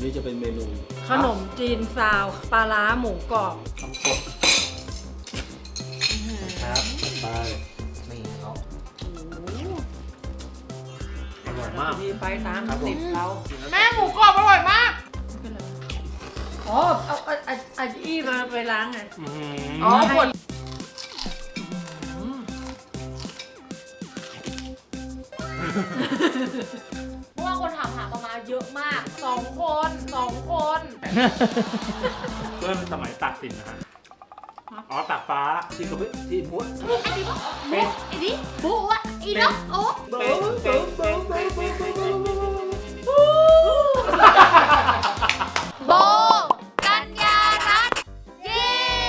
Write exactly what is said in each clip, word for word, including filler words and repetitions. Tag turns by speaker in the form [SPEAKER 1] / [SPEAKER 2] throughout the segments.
[SPEAKER 1] นี้จะเป็นเมนู
[SPEAKER 2] ขนมจีนซาวปลาร้าหมูกรอบ
[SPEAKER 1] ทำสดครับไปนี่เขาอร่อยมาก
[SPEAKER 2] มีไปสามสิบเรา
[SPEAKER 3] แม่หมูกรอบอร่อยมาก
[SPEAKER 2] อ๋อเอาเอาเอาเอาอี้มาไปล้างไง
[SPEAKER 3] อ๋อผลเพราะว่าคนถามหาประมาณเยอะมากสองคนสองคน
[SPEAKER 1] เพื่อนสมัยตัดสินนะฮะอ๋อตัดฟ้าที่กระเบื้องที่ม้วน
[SPEAKER 3] ไอ้ดิบุ๊เป็นไอ้ดิบุ๊วะอีด็อกโอ้
[SPEAKER 1] เป็นเป็นเป็นเป็นเป็นเป็น
[SPEAKER 3] โบกัญญารัตน์เย้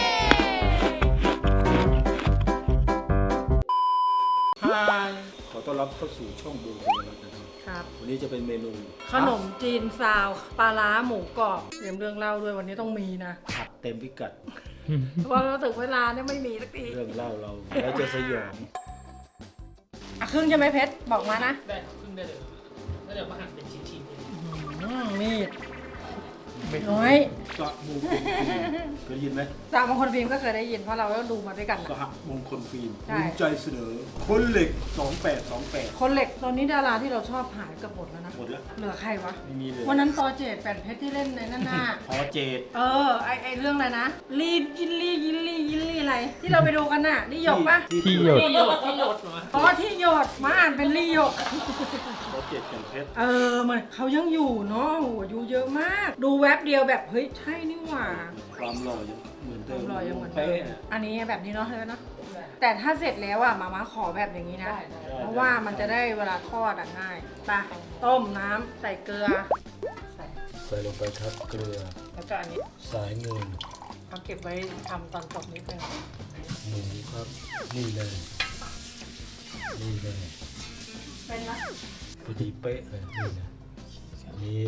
[SPEAKER 1] ฮายขอต้อนรับเข้าสู่ช่องโบกัญญารัตน์นะครับวันนี้จะเป็นเมนู
[SPEAKER 2] ขนมจีนซาวปลาร้าหมูกรอบเตรียมเรื่องเล่าด้วยวันนี้ต้องมีนะ
[SPEAKER 1] ผัดเต็มพิกัด
[SPEAKER 2] เพราะเราถึงเวลาเนี่ยไม่มีสักที
[SPEAKER 1] เรื่องเล่าเราแล้วจะสยอง
[SPEAKER 2] อ่ะครึ่งใช่ไหมเพชรบอกมานะ
[SPEAKER 4] ได้ครึ่งได้เลยแล้วเดี๋ยวมาหั่นเป็นชิ้น
[SPEAKER 2] ๆมีดน้อย
[SPEAKER 1] กะมงคลฟิล์มเคยยินไหม
[SPEAKER 2] สามมงคลฟิล์มก็เคยได้ยินเพราะเราก็ดูมาด้วยกัน
[SPEAKER 1] กะมงคลฟิล์มภูมิใจเสนอคนเหล็กสองแปดสองแปด
[SPEAKER 2] คนเหล็กตอนนี้ดาราที่เราชอบหายกับหมดแล้วนะ
[SPEAKER 1] หมดแล้ว
[SPEAKER 2] เหลือใครวะ
[SPEAKER 1] ไม่มีเลย
[SPEAKER 2] วันนั้นปอเจดแปดเพชรที่เล่นในนั่นน่ะ
[SPEAKER 1] ปอเจด
[SPEAKER 2] เออไอไอเรื่องอะไรนะลีดยินลี่ยินลี่ยินลี่อะไรที่เราไปดูกันน่ะลี่หยกปะ
[SPEAKER 4] ที่หยดที่หยดที่หยดเหรอ
[SPEAKER 2] อ๋อที่หยดมาอ่านเป็นลี่หยก
[SPEAKER 1] ปอเจดแปดเพชร
[SPEAKER 2] เออมันเขายังอยู่เนาะโหอายุเยอะมากดูแวบเดียวแบบเฮ้ยใช่นี่หว่า
[SPEAKER 1] ความหล่อยังเหมือนเดิม
[SPEAKER 2] ความหล่อยังเหมือนเดิมอันนี้แบบนี้เนาะเลยเนาะแต่ถ้าเสร็จแล้วอ่ะมาม่าขอแบบอย่างนี้นะเพราะว่ามันจะได้เวลาทอดอ่ะง่ายไปต้มน้ำใส่เกลือ
[SPEAKER 1] ใส่ใส่ลงไปครับเกลือ
[SPEAKER 2] แล้วก็อันนี้
[SPEAKER 1] สายเงิน
[SPEAKER 2] เอาเก็บไว้ทำตอนจบนิดนึง
[SPEAKER 1] หมูครับนี่เลยนี่เลย
[SPEAKER 2] เป็นนะ
[SPEAKER 1] พอดีเป๊ะเลยนี่นะนี่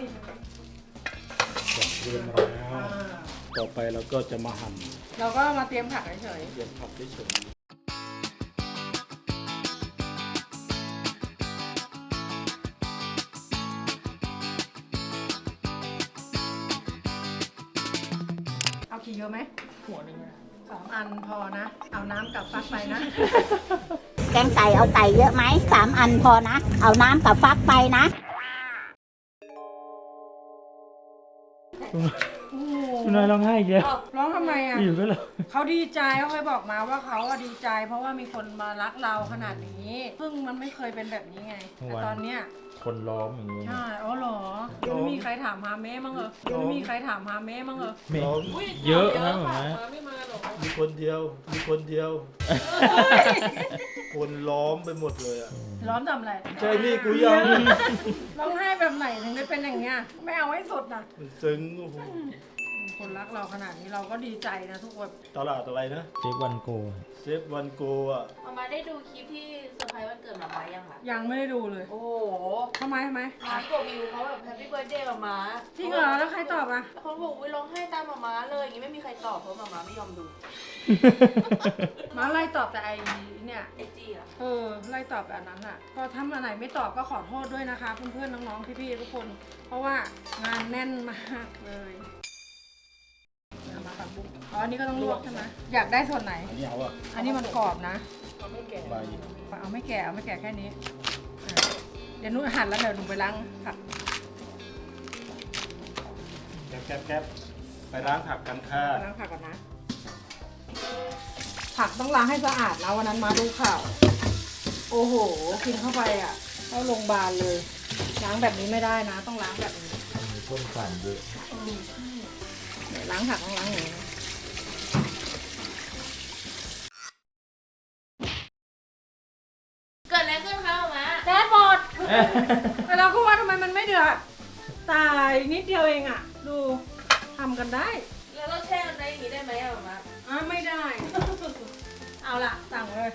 [SPEAKER 1] จัดเรียบร้อยแล้วต่อไปเราก็จะมาหั่น
[SPEAKER 2] เราก็มาเตรียมผักเฉย
[SPEAKER 1] ๆเตรียมผักเฉย
[SPEAKER 2] ๆเอาขี้เยอะไหม
[SPEAKER 4] หัวหนึ่ง
[SPEAKER 2] สองอันพอนะเอาน้ำกับฟักไปนะ
[SPEAKER 5] แกงไก่เอาไก่เยอะไหมสามอันพอนะเอาน้ำกับฟักไปนะ
[SPEAKER 4] คุณนายร้องไห้อีกแล้ว
[SPEAKER 2] ร้องทำไมอ่ะ
[SPEAKER 4] อยู่ก็เลย
[SPEAKER 2] เขาดีใจเขาเคยบอกมาว่าเขาดีใจเพราะว่ามีคนมารักเราขนาดนี้ซึ่งมันไม่เคยเป็นแบบนี้ไงแต่ตอนเนี้ย
[SPEAKER 4] คนล้อมอย่างนี้
[SPEAKER 2] ใช่อ๋อเหรอยังไม่มีใครถามหาแม่มั้งเหรอยังไม่มีใครถามหาแม่มั้งเหรอ
[SPEAKER 4] เยอะนะหมอ
[SPEAKER 1] มีคนเดียวมีคนเดียวคนล้อมไปหมดเลยอ่ะ
[SPEAKER 2] ล้อมทำอะไร
[SPEAKER 1] ใช่นี่กูยัง
[SPEAKER 2] ร้องไห้แบบไหนถึงได้เป็นอย่างเงี้ยไม่เอาให้สุดนะ
[SPEAKER 1] ซึ้ง
[SPEAKER 2] คนรักเราขนาดนี้เราก็ดีใจนะทุกคน
[SPEAKER 1] ตลาดอะไรนะ
[SPEAKER 4] เซฟวันโก
[SPEAKER 1] เซฟวันโกอ่ะ
[SPEAKER 3] มามาได้ดูคลิปที่เซอร์ไพรส์วันเกิดมามายังคะ
[SPEAKER 2] ยังไม่ได้ดูเลย
[SPEAKER 3] โอ้
[SPEAKER 2] ทำไมทำไม
[SPEAKER 3] ร้านกดวิวเขาแบบแฮปปี้เบิร์ดเดย์มามา
[SPEAKER 2] จริงเหรอแล้วใครตอบอ่ะ
[SPEAKER 3] เขาบอกวิร้องไห้ตามมามาเลยอย่างงี้ไม่มีใครตอบเพราะมามาไม่ยอมดู
[SPEAKER 2] มาไล่ตอบแต่ไอ้เนี่ย
[SPEAKER 3] ไอจีอ่ะ
[SPEAKER 2] เออไล่ตอบแบบนั้นอ่ะก็ถ้าอันไหนไม่ตอบก็ขอโทษด้วยนะคะเพื่อนๆน้องๆพี่ๆทุกคนเพราะว่างานแน่นมากเลยมาผักบุ้งอ๋ออันนี้ก็ต้องลวกใช่ไหมอยากได้ส่วนไหน
[SPEAKER 1] อันนี้เอาอ่ะ
[SPEAKER 2] อันนี้มันกรอบนะ
[SPEAKER 3] เอาไม่แก่
[SPEAKER 2] เอาไม่แก่เอาไม่แก่แค่นี้เดี๋ยวนุ่นหั่นแล้วเดี๋ยวหนูไปล้างผัก
[SPEAKER 1] แก๊บแก๊บแก๊บไปล้างผักกันค่ะ
[SPEAKER 2] ล้างผักก่อนนะผักต้องล้างให้สะอาดนะวันนั้นมาดูข่าวโอ้โหกินเข้าไปอ่ะเข้าโรงพยาบาลเลยล้างแบบนี้ไม่ได้นะต้องล้างแบบนี้
[SPEAKER 4] มีพ่นสารเยอะ
[SPEAKER 2] ล้างผักต้องล้างอย่างนี้
[SPEAKER 3] เกิดอะไรขึ้นคะมา
[SPEAKER 2] แก๊สหมดแต่เราก็ว่าทำไมมันไม่เดือดตายนิดเดียวเองอ่ะดูทำกันได้
[SPEAKER 3] แล้วเราแช่กันได้อย่างนี้ได้ไหมอะมา
[SPEAKER 2] อ่ะไม่ได้เอาล่ะสั่งเลย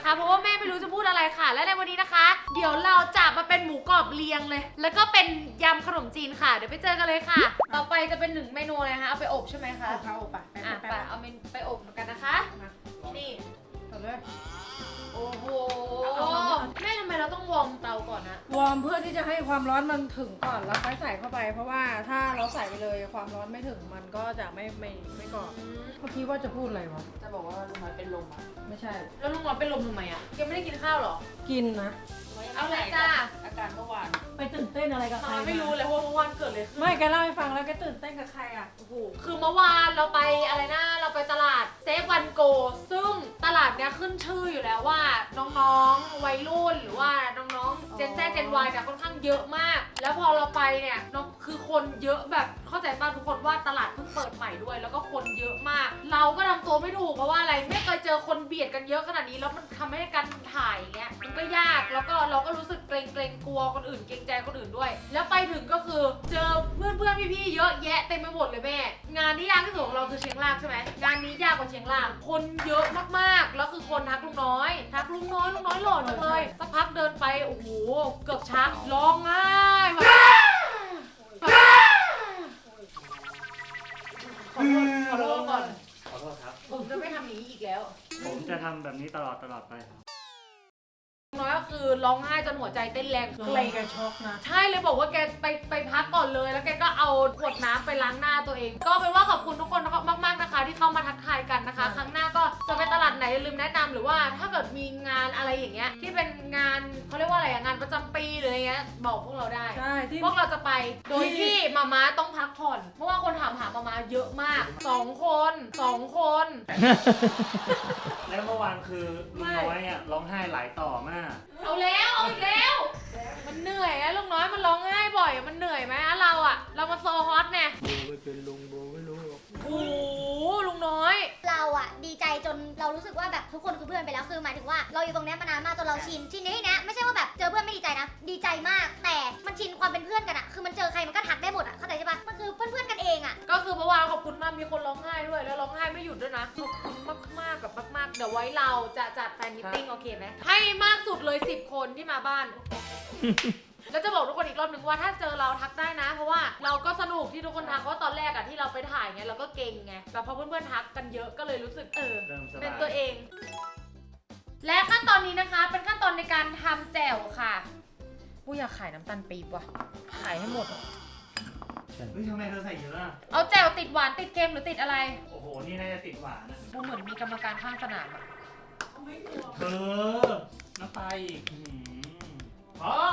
[SPEAKER 3] นะคะเพราะว่าแม่ไม่รู้จะพูดอะไรค่ะและในวันนี้นะคะ เดี๋ยวเราจะมาเป็นหมูกรอบเรียงเลย แล้วก็เป็นยำขนมจีนค่ะเดี๋ยวไปเจอกันเลยค่ะ ต่อไปจะเป็นหนึ่งเมนูอะไรคะเอาไปอบใช่ไหมคะ
[SPEAKER 2] เอาเข้าไปไป
[SPEAKER 3] อ่ะ
[SPEAKER 2] ไป
[SPEAKER 3] ไปเอาเมนไปอบกันนะคะ
[SPEAKER 2] มา
[SPEAKER 3] นี่
[SPEAKER 2] ต่อเลย
[SPEAKER 3] โอ้โห
[SPEAKER 2] เอาเอาเอา
[SPEAKER 3] แม่ทำไมเราต้องวอร์มเตาก่อนนะ
[SPEAKER 2] วอร์มเพื่อที่จะให้ความร้อนมันถึงก่อนแล้วค่อยใส่เข้าไป เพราะว่าถ้าเราใส่ไปเลยความร้อนไม่ถึงมันก็จะไม่ไม่ไม่กรอบเมื่อกี้ว่าจะพูดอะไรวะ
[SPEAKER 6] จะบอกว่าลุงน้อยเป็นลมอ่ะ
[SPEAKER 2] ไม่ใช่
[SPEAKER 3] แล้วลุงร้อนเป็นลมทำไมอ่ะยังไม่ได้กินข้าวเหรอ
[SPEAKER 2] กินนะ
[SPEAKER 3] เอาเลยจ้า
[SPEAKER 6] อาการเมื่อวาน
[SPEAKER 2] ไปตื่นเต้นอะไรกับใคร
[SPEAKER 3] น้อยไม่รู้เลยว่าเมื่อวานเกิดอะไรขึ้น
[SPEAKER 2] ไม่แกเล่าให้ฟังแล้วแกตื่นเต้นกับใครอ่ะ
[SPEAKER 3] โอ้โหคือเมื่อวานเราไปอะไรนะเราไปตลาดเซฟวันโกซึ่งตลาดเนี้ยขึ้นชื่ออยู่แล้วว่าน้องๆวัยรุ่นหรือว่าน้องๆเจนแซเจนวายเนี่ยค่อนข้างเยอะมาก แล้วพอเราไปเนี่ยน้องคือคนเยอะแบบเข้าใจป่ะทุกคนว่าตลาดเพิ่งเปิดใหม่ด้วย แล้วก็คนเยอะมาก เราก็ทำตัวไม่ถูกเพราะว่าอะไรไม่เคยเจอคนเบียดกันเยอะขนาดนี้แล้วมันทำให้การถ่ายเงี้ยมันก็ยากแล้วก็เราก็รู้สึกเกรงเกรงๆกลัวคนอื่นเกรงใจคนอื่นด้วย แล้วไปถึงก็คือเจอเพื่อนเพื่อนๆพี่ๆเยอะแยะเต็มไปหมดเลยแม่งานที่ยากที่สุดของเราคือเชียงรากใช่ไหมงานนี้ยากกว่าเชียงรากคนเยอะมากๆแล้วคือคนทักลุงน้อยทักลุงน้อยลุงน้อยหล่อจังเลยสักพักเดินไปโอ้โหเกือบชักร้องไห้แบบขอโทษขอโทษก่อน
[SPEAKER 1] ขอโทษครับ
[SPEAKER 3] ผมจะไม่ทำอย่างนี้อีกแล้ว
[SPEAKER 1] ผมจะทำแบบนี้ตลอดตลอดไปครับ
[SPEAKER 3] น้อยก็คือร้องไห้จนหัวใจเต้นแรง
[SPEAKER 2] ใครแกช็อกนะ
[SPEAKER 3] ใช่เลยบอกว่าแกไปไปพักก่อนเลยแล้วแกก็เอาขวดน้ำไปล้างหน้าตัวเอง ก็เป็นว่าขอบคุณทุกคนมากๆนะคะ ที่เข้ามาทักทายกันนะคะ ครั้งหน้าก็จะไปตลาดไหนอย่าลืมแนะนำหรือว่าถ้าเกิดมีงานอะไรอย่างเงี้ยที่เป็นงานเขาเรียกว่าอะไรอะงานประจำปีหรืออะไรเงี้ยบอกพวกเราได้
[SPEAKER 2] ใช่ที่
[SPEAKER 3] พวกเราจะไปโดยที่มาม่าต้องพักผ่อนเพราะว่าคนถามหามาม่าเยอะมากสองคนสองคน
[SPEAKER 1] แล้วเมื่อวานคือลุงน้อยอ่ะร้องไห้หลายต่อมาก
[SPEAKER 3] เอาแล้วเอาอีกแล้ว มันเหนื่อยอะลุงน้อยมันร้องไห้บ่อยมันเหนื่อยไหมอะเราอะเรามาโซฮอตเนี่ย
[SPEAKER 4] โบไม่เป็นลุงโบไม่รู้หรอก
[SPEAKER 3] โอ้โหลุงน้อย
[SPEAKER 7] เราอะดีใจจนเรารู้สึกว่าแบบทุกคนคือเพื่อนไปแล้วคือหมายถึงว่าเราอยู่ตรงเนี้ยมานานมากจนเราชินชินในที่เนี้ยไม่ใช่ว่าแบบเจอเพื่อนไม่ดีใจนะดีใจมากแต่มันชินความเป็นเพื่อนกันอะคือมันเจอใครมันก็ทักได้หมดอะเข้าใจใช่ปะมันคือเพื่อนเพื่อนๆกันเองอะ
[SPEAKER 3] ก็คือเมื่อวานขอบคุณมากมีคนร้องไห้ด้วยแล้วร้องไห้ไม่หยุดด้วยนะขอบคุณมากมากๆแบบมากๆเดี๋ยวไว้เราจะจัดแฟนมิทติ้งโอเคไหมให้มากสุดเลยสิบคนที่มาบ้าน แล้วจะบอกทุกคนอีกรอบหนึ่งว่าถ้าเจอเราทักได้นะ เพราะว่าเราก็สนุกที่ทุกคนทักเพราะตอนแรกอะที่เราไปถ่ายไงเราก็เก่งไงแต่พอเพื่อนๆทักกันเยอะก็เลยรู้สึกเออ
[SPEAKER 1] เริ่มสบาย
[SPEAKER 3] เป็นตัวเอง และขั้นตอนนี้นะคะ เป็นขั้นตอนในการทำแจ่วค่ะกูอยากขายน้ำตาลปี๊บว่ะขายให้หมด
[SPEAKER 1] เฮ้ยทำไมเธอใส่เยอะอะ
[SPEAKER 3] เอาแจ่วติดหวานติดเค็มหรือติดอะไร
[SPEAKER 1] โอ้โห นี่น่าจะติดหวานนะ
[SPEAKER 3] กูเหมือนมีกรรมการข้างสนามอะ
[SPEAKER 1] เธอ น้ำตาอีกอื้อหืออ๋อ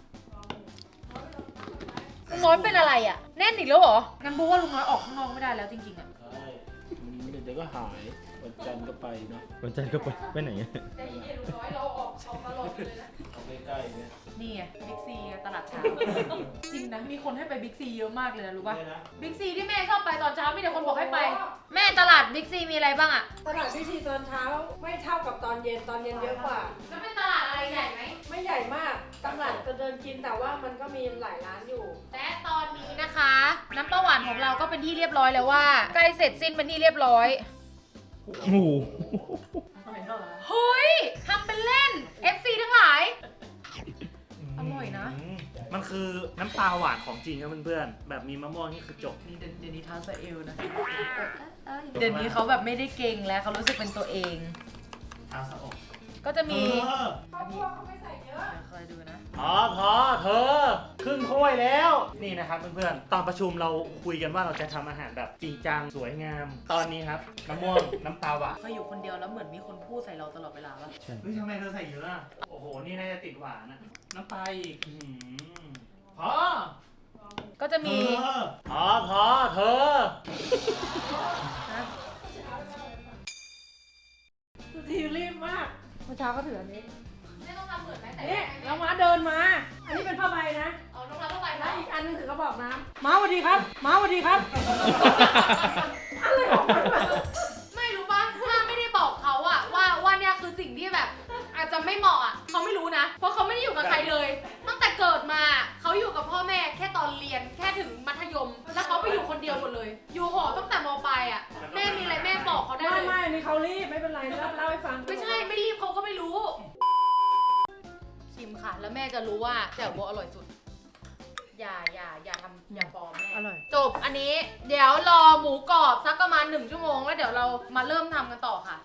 [SPEAKER 3] ลุงน้อยเป็นอะไรอะแน่นอีกแล้วเหรองั้นบูว่าลุงน้อยออกข้างนอกไม่ได้แล้วจริงๆอะ
[SPEAKER 4] ใช่เดี๋ยวก็หายวันจันทร์ก็ไปเนาะวันจันทร์ก็ไปไปไหนอะ
[SPEAKER 3] แต่ที่ลุงน้อยเราออกออกตลอดเลยนะ
[SPEAKER 4] เอาใกล้ๆเนี่ย
[SPEAKER 3] นี่ไงบิ๊กซีตลาดเช้า จริงนะมีคนให้ไปบิ๊กซีเยอะมากเลยนะรู้ป่ะบิ๊กซีที่แม่ชอบไปตอนเช้ามีแต่คนบอกให้ไป แม่ตลาดบิ๊กซีมีอะไรบ้างอะ
[SPEAKER 2] ตลาดพิธีตอนเช้าไม่เท่ากับตอนเย็นตอนเย็นเยอะกว่า
[SPEAKER 3] แล้วเป็นตลาดอะไรใหญ่ไหม
[SPEAKER 2] ไม่ใหญ่มากตลาดจะเดินกินแต่ว่ามันก็มีหลายร้านอยู่
[SPEAKER 3] และตอนนี้นะคะ น้ำปลาหวานของเราก็เป็นที่เรียบร้อยแล้วว่าใกล้เสร็จสิ้นเป็นที่เรียบร้อย
[SPEAKER 4] โอ้โห
[SPEAKER 3] เฮ้ยทำเป็นเล่น เอฟ ซี ทั้งหลาย อร่อยนะ
[SPEAKER 1] มันคือน้ำปลาหวานของจริงครับเพื่อนๆ แบบมีมะม่วงนี่คือจบ
[SPEAKER 6] นี่เดี๋ยวนี้ท้าสะเอลนะ
[SPEAKER 3] เดี๋ยวนี้เขาแบบไม่ได้เก่งแล้วเขารู้สึกเป็นตัวเอง
[SPEAKER 1] เอาสะอก
[SPEAKER 3] ก็จะมี
[SPEAKER 1] เออ
[SPEAKER 2] ข้าวคั่วเขาไม่ใส่เยอะ
[SPEAKER 3] คอยดูนะ
[SPEAKER 1] พอพอเธอครึ่งถ้วยแล้ว นี่นะครับเพื่อนๆ ตอนประชุมเราคุยกันว่าเราจะทำอาหารแบบจริงจังสวยงาม ตอนนี้ครับมะม่วงน้ำปลาหวาน
[SPEAKER 6] เขาอยู่คนเดียวแล้วเหมือนมีคนพูดใส่เราตลอดเวลาปะ
[SPEAKER 4] ใช่
[SPEAKER 1] เฮ้ยทำไมเธอใส่เยอะอะโอ้โห นี่น่าจะติดหวานอะน้ำปลาอีกอื้อหือพอ
[SPEAKER 3] ก็จะมี
[SPEAKER 1] เธอพอพอเธอ
[SPEAKER 2] สุธีรีบมากเมื่อเช้าก็ถืออันนี้
[SPEAKER 3] ไม่ต้องทำเหมือนไหมแต่
[SPEAKER 2] นี่เรามาเดินมา อันนี้เป็นผ้าใบนะ
[SPEAKER 3] เอาน้องรับเข้าไป
[SPEAKER 2] แล้
[SPEAKER 3] นะ
[SPEAKER 2] วอีกอันนึงถือกระบอกน้ำม้าสวัสดีครับม้าสวัสดีครับ อะไรของมันวะ
[SPEAKER 3] ไม่รู้ป่ะถ้าไม่ได้บอกเขาอะว่าว่าเนี่ยคือสิ่งที่แบบ อาจจะไม่เหมาะอะเขาไม่รู้นะ เพราะเขาไม่ได้อยู่กับใครเลย ตั้งแต่เกิดมาเขาอยู่กับพ่อแม่แค่ตอนเรียนแค่ถึงมัธยม แล้วเขาไปอยู่คนเดียวหมดเลย อยู่หอตั้งแต่มปลายอะแม่มีอะไรแม่บอกเขาได้
[SPEAKER 2] ไม่
[SPEAKER 3] เลย
[SPEAKER 2] ไม่นี่เขารีบไม่เป็นไรเล่าเล่าให้ฟัง
[SPEAKER 3] ไม่ใช่ไม่รีบเขาก็ไม่รู้ ชิมค่ะ แล้วแม่จะรู้ว่าแจ่วโบอร่อยสุด อย่าอย่าอย่าทำอย่าฟอร์มแม่
[SPEAKER 2] อร่อย
[SPEAKER 3] จบอันนี้เดี๋ยวรอหมูกรอบสักประมาณหนึ่งชั่วโมงแล้วเดี๋ยวเรามาเริ่มทำกันต่อค่ะ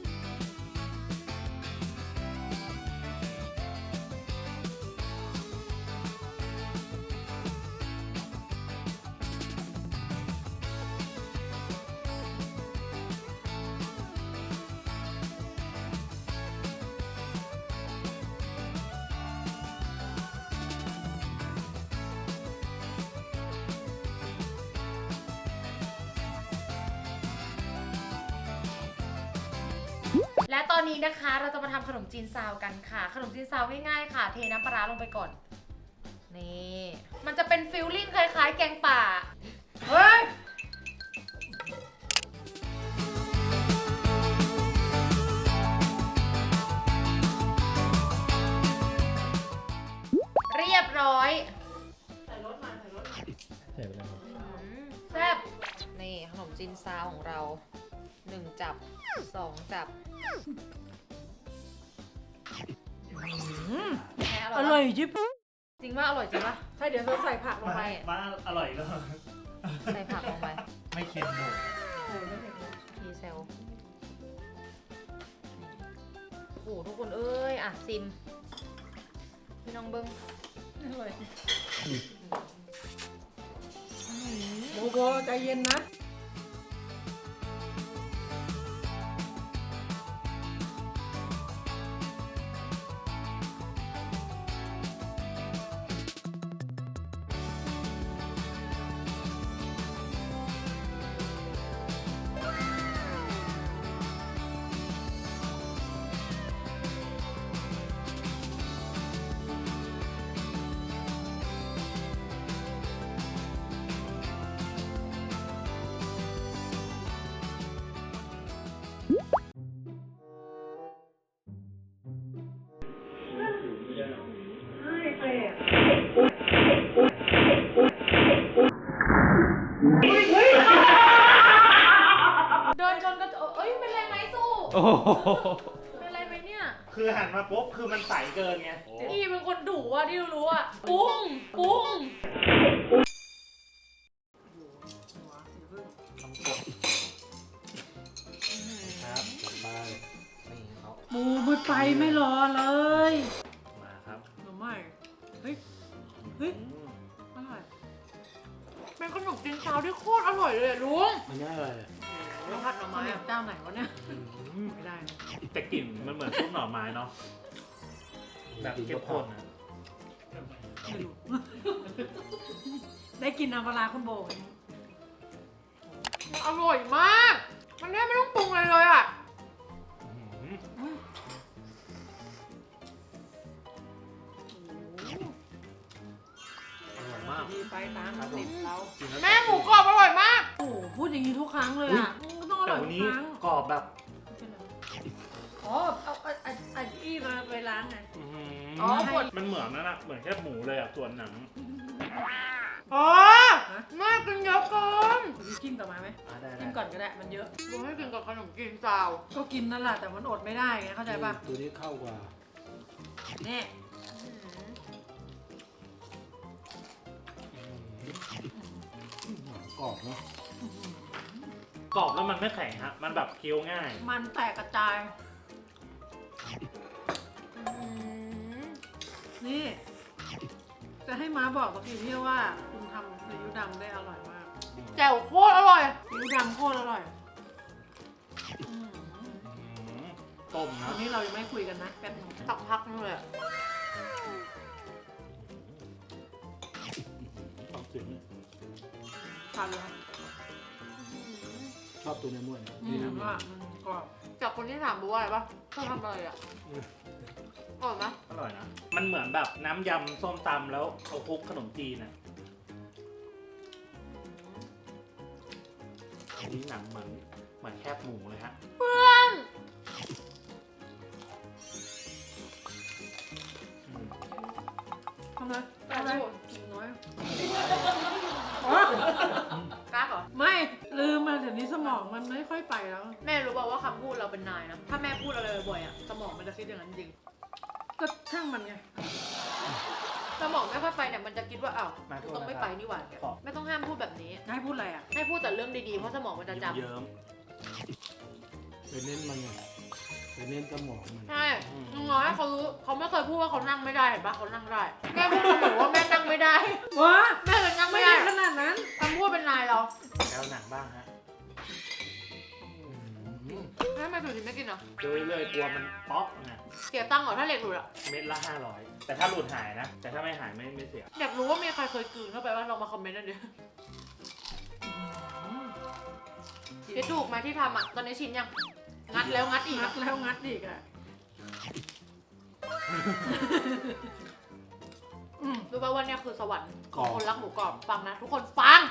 [SPEAKER 3] และตอนนี้นะคะเราจะมาทำขนมจีนซาวกันค่ะ ขนมจีนซาวง่ายๆค่ะ เทน้ำปลาร้าลงไปก่อน นี่มันจะเป็นฟิลลิ่งคล้ายๆ แกงป่า เฮ้ย เรียบร้อย
[SPEAKER 4] ใส่ไปแล้ว
[SPEAKER 3] แซ่บนี่ขนมจีนซาวของเราหนึ่งจับสองจับแม่
[SPEAKER 2] อร่อยยิบ
[SPEAKER 3] จริงว่าอร่อยจริงปะ
[SPEAKER 2] ใช่เดี๋ยวเราใส่ผักลงไป
[SPEAKER 1] มาอร่อยแล้ว
[SPEAKER 3] ใส่ผักลงไป
[SPEAKER 1] ไม่เค็มเลย
[SPEAKER 3] ทีเซลโอ้โหทุกคนเอ้ยอ่ะซิมพี่น้องเบิ้ง
[SPEAKER 2] อร่อยโบโบใจเย็นนะ
[SPEAKER 3] เดินชนกระจกเอ้ยเป็นไรไหมสู้
[SPEAKER 4] โอ้โห
[SPEAKER 3] เป็นไรไหมเนี่ย
[SPEAKER 1] คือหันมาปุ๊บคือมันใสเกินไง
[SPEAKER 3] อีเป็นคนดุอ่ะที่รู้อ่ะปุ้งปุ้ง
[SPEAKER 1] ครับสบายนี่เขา
[SPEAKER 2] หมูไม่ไปไม่รอเลย
[SPEAKER 1] มาครับ
[SPEAKER 2] หนูไม่เฮ้ย เฮ้ย
[SPEAKER 1] อืม
[SPEAKER 2] อร่อย
[SPEAKER 3] เป็นขนมจีนซาวที่โคตรอร่อยเลยอะลุง
[SPEAKER 4] มันง่ายอะไรอะ
[SPEAKER 3] แล้วผัดหน่อ
[SPEAKER 2] ข้าว
[SPEAKER 3] ไม้
[SPEAKER 2] เหนียว
[SPEAKER 3] อะ
[SPEAKER 2] เจ้าไหนวะเนี่ย
[SPEAKER 1] อืม
[SPEAKER 2] ไม่ได้นะ
[SPEAKER 1] แต่กลิ่นมันเหมือนซุปหน่อไม้เนาะแบบเข้มข้นนะ
[SPEAKER 2] ไม่รู้ ได้กินน้ำปลาร้าคุณโบไหม
[SPEAKER 3] มันอร่อยมาก มันแทบไม่ต้องปรุงอะไรเลยอ่ะ
[SPEAKER 1] อืมอร่อยมาก
[SPEAKER 2] ดีไปตามสิบเรา
[SPEAKER 1] กินล้ว
[SPEAKER 3] แม่หมูกรอบอร่อยมาก
[SPEAKER 2] โอ้โหพูดอย่างนี้ทุกครั้งเลยอ่ะต้องอ
[SPEAKER 1] แต่
[SPEAKER 2] ร่อย
[SPEAKER 1] วัน
[SPEAKER 2] ทุก
[SPEAKER 1] นี้
[SPEAKER 2] ครั้ง
[SPEAKER 1] กรอบแบบ
[SPEAKER 2] อ๋อ เอาไอ้ไอ้ไอ้ที่มาไปล้างไง
[SPEAKER 1] อื้อหื
[SPEAKER 3] อ๋อปวด
[SPEAKER 1] มันเหมือนนั่นอะเหมือนแค่หมูเลยอะส่วนหนัง
[SPEAKER 3] อ๋อแม่กินเยอะเกิน
[SPEAKER 2] มีกินต่อมาไหม
[SPEAKER 1] อ่ะได้
[SPEAKER 2] กินก่อนก็ได้ มันเยอะ
[SPEAKER 3] ลุงให้กินกับขนมจีนซาว
[SPEAKER 2] ก็กินนั่นแหละแต่มันอดไม่ได้ไงเข้าใจป่ะ
[SPEAKER 4] ตัวนี้เข้ากว่า
[SPEAKER 2] นี่
[SPEAKER 4] กรอบเนาะ
[SPEAKER 1] กรอบแล้วมันไม่แข็งฮะ มันแบบเคี้ยวง่าย
[SPEAKER 2] มันแตกกระจาย นี่ จะให้ม้าบอกกับพี่เที่ยวว่าคุณทำซีอิ๊วดำได้อร่อยมาก
[SPEAKER 3] แจ่วโคตรอร่อย
[SPEAKER 2] ซีอิ๊วดำโคตรอร่อยอืม
[SPEAKER 1] อืมต้ม
[SPEAKER 2] ต
[SPEAKER 1] นะ
[SPEAKER 2] อนนี้เรายังไม่คุยกันนะแป๊บนึง
[SPEAKER 3] สักพักนึงเลยอะ
[SPEAKER 4] ต้องถึงเนี่ย
[SPEAKER 2] ทานเลยครับ
[SPEAKER 4] ชอบตัวเนื้อม้วนเนี่ย
[SPEAKER 2] อื
[SPEAKER 4] นี่
[SPEAKER 2] ม
[SPEAKER 4] นะ
[SPEAKER 2] ว่ามันกรอบ
[SPEAKER 3] จากคนที่ถามบูว่าอะไรปะเธอทำอะไรอ่ะอร่อยไหม
[SPEAKER 1] อร่อยนะ มันเหมือนแบบน้ำยำส้มตำแล้วเอาคลุกขนมจีนอะอันนี้หนังเหมือนเหมือนแคบหมูเลยฮะ
[SPEAKER 3] เพื่อน
[SPEAKER 1] อืม
[SPEAKER 2] ทำไมทำไมน้อย
[SPEAKER 3] กล้าเหรอ
[SPEAKER 2] ไม่ลืมมาเดี๋ยวนี้สมองมันไม่ค่อยไปแล้ว
[SPEAKER 3] แม่รู้ป่าวว่าคำพูดเราเป็นนายนะ ถ้าแม่พูดอะไรบ่อยๆอ่ะสมองมันจะคิดอย่างนั้นจริง
[SPEAKER 2] ก็ช่างมันไง
[SPEAKER 3] สมองไม่ค่อยไปเนี่ยมันจะคิดว่าอ้าว
[SPEAKER 1] มาโทษ
[SPEAKER 3] ต้องไม่
[SPEAKER 1] นะครับ
[SPEAKER 3] ไปนี่หว่าไม่ต้องห้ามพูดแบบนี้
[SPEAKER 2] ให้พูดอะไรอ่ะ
[SPEAKER 3] ให้พูดแต่เรื่องดีๆเพราะสมองมันจะจำ
[SPEAKER 1] เยิ้ม
[SPEAKER 4] ไปเน้นมันไงไปเน้นสมองมัน
[SPEAKER 3] ใช่น้อยเขารู้เขาไม่เคยพูดว่าเขานั่งไม่ได้เห็นปะเขานั่งได้แม่พูดเสมอว่าแม่นั่งไม่ได้
[SPEAKER 2] วะ
[SPEAKER 3] แม่เลยนั่ง
[SPEAKER 2] ไม่
[SPEAKER 3] ไม่
[SPEAKER 2] ได้
[SPEAKER 3] ได้
[SPEAKER 2] ขนาดนั้น
[SPEAKER 3] คำพูดเป็นนายเรา
[SPEAKER 1] แล้วหนังบ้างฮะ
[SPEAKER 3] แม่ไม่ถูกจริงไม่กินเหรอ
[SPEAKER 1] เจอเรื่อยๆกลัวมันเป๊อกไง
[SPEAKER 3] เสียตังค์เหรอถ้าเหล็กหลุดอะ
[SPEAKER 1] เม็ดละห้าร้อยแต่ถ้าหลุดหายนะ แต่ถ้าไม่หายไม่ไม่เสีย
[SPEAKER 3] อยากรู้ว่ามีใครเคยกลืนเข้าไปว่าลองมาคอมเมนต์หน่อยดิคิดถูกไหมที่ทำอะตอนนี้ชินยังงัดแล้วงัดอีก
[SPEAKER 2] งั
[SPEAKER 3] อะ
[SPEAKER 2] ดแล้วงัดอีกอ่ะอืม
[SPEAKER 3] รู้ป่ะว่าเนี่ยคือสวรรค์ข
[SPEAKER 4] กร
[SPEAKER 3] อ
[SPEAKER 4] อง บ
[SPEAKER 3] คนรักหมูกรอบฟังนะ ทุกคนฟัง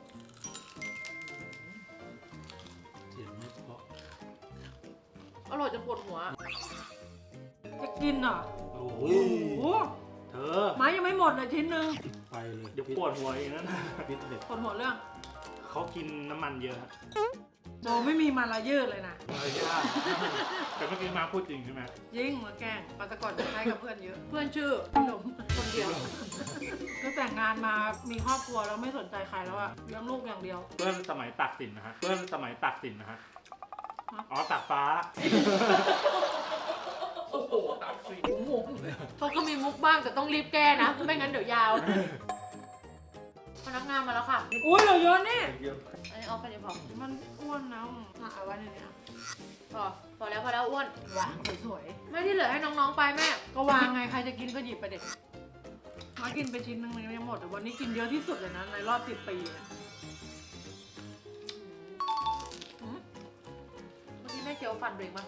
[SPEAKER 4] เสียงไม่เพราะ
[SPEAKER 3] อร่อยจนปวดหัว
[SPEAKER 2] จะกินเหรอ
[SPEAKER 1] โอ้
[SPEAKER 2] โอ้
[SPEAKER 1] ย
[SPEAKER 2] โห
[SPEAKER 1] เธอ
[SPEAKER 2] ไม้ยังไม่หมดเลยชิ้นหนึ่ง
[SPEAKER 4] ไปเลย
[SPEAKER 1] เดี๋ยวปวดหัวอีกนั่น
[SPEAKER 4] ฟิตเนส
[SPEAKER 2] คนหัวเรื่อง
[SPEAKER 1] เขากินน้ำมันเยอะฮะ
[SPEAKER 2] โบไม่มีมาลายืดเลยนะ
[SPEAKER 1] อะไรยากแต่เมื่อกี้มาพูดจริงใช่ไหม
[SPEAKER 2] ยิ่งมาแกล้งปาตะกอนจะใช้กับเพื่อนเยอะ
[SPEAKER 3] เพื่อนชื่อ
[SPEAKER 2] ขนม
[SPEAKER 3] คนเดียว
[SPEAKER 2] ก็แต่งงานมามีครอบครัวแล้วไม่สนใจใครแล้วอะเลี้ยงลูกอย่างเดียว
[SPEAKER 1] เพื่อนสมัยตักสินนะฮะเพื่อนสมัยตักสินนะฮะอ๋อตักฟ้า โอ้โหตักสิน
[SPEAKER 3] เขาก็มีมุกบ้างแต่ต้องรีบแก้นะ ไม่งั้นเดี๋ยวยาว พนักงานมาแล้วค่ะ
[SPEAKER 2] อุ้ยเหลือเยอะนี่
[SPEAKER 1] เยอะ
[SPEAKER 3] อันนี้เอาแค่นี้พอ
[SPEAKER 2] มันอ้วนนะอ่ะเอาไว้ในนี้อ่ะ
[SPEAKER 3] พอพอแล้วพอแล้วอ้วน
[SPEAKER 2] วางสวย
[SPEAKER 3] ไม่ที่เหลือให้น้องๆไปแม่
[SPEAKER 2] ๆก็วางไงใครจะกินก็หยิบไปเด็ดมากินไปชิ้นนึงยังหมดแต่วันนี้กินเยอะที่สุดเลยนะในรอบสิบปีอะ
[SPEAKER 3] เมื่อกี้แม่เคี้ยวฟันเบรกมาก